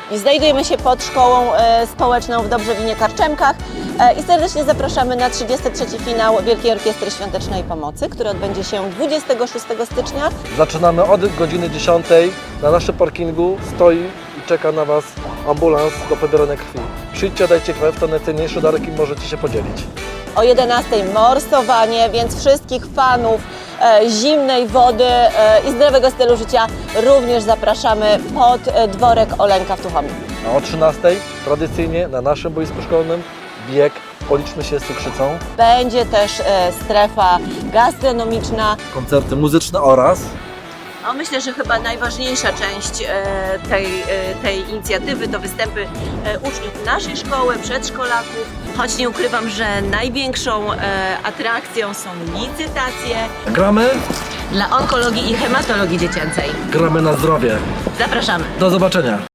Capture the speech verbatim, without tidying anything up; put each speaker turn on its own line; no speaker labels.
Znajdujemy się pod szkołą e, społeczną w Dobrzewinie Karczemkach e, i serdecznie zapraszamy na trzydziesty trzeci finał Wielkiej Orkiestry Świątecznej Pomocy, który odbędzie się dwudziestego szóstego stycznia.
Zaczynamy od godziny dziesiątej. Na naszym parkingu stoi i czeka na Was ambulans do pobierania krwi. Przyjdźcie, dajcie krew, to najcenniejszy darek i możecie się podzielić.
O jedenastej morsowanie, więc wszystkich fanów e, zimnej wody e, i zdrowego stylu życia również zapraszamy pod e, dworek Olenka w Tuchomie.
A o trzynastej tradycyjnie na naszym boisku szkolnym bieg Policzmy się z cukrzycą.
Będzie też e, strefa gastronomiczna.
Koncerty muzyczne oraz
No, myślę, że chyba najważniejsza część e, tej, e, tej inicjatywy to występy e, uczniów naszej szkoły, przedszkolaków. Choć nie ukrywam, że największą e, atrakcją są licytacje
gramy,
dla onkologii i hematologii dziecięcej.
gramy na zdrowie.
Zapraszamy!
Do zobaczenia.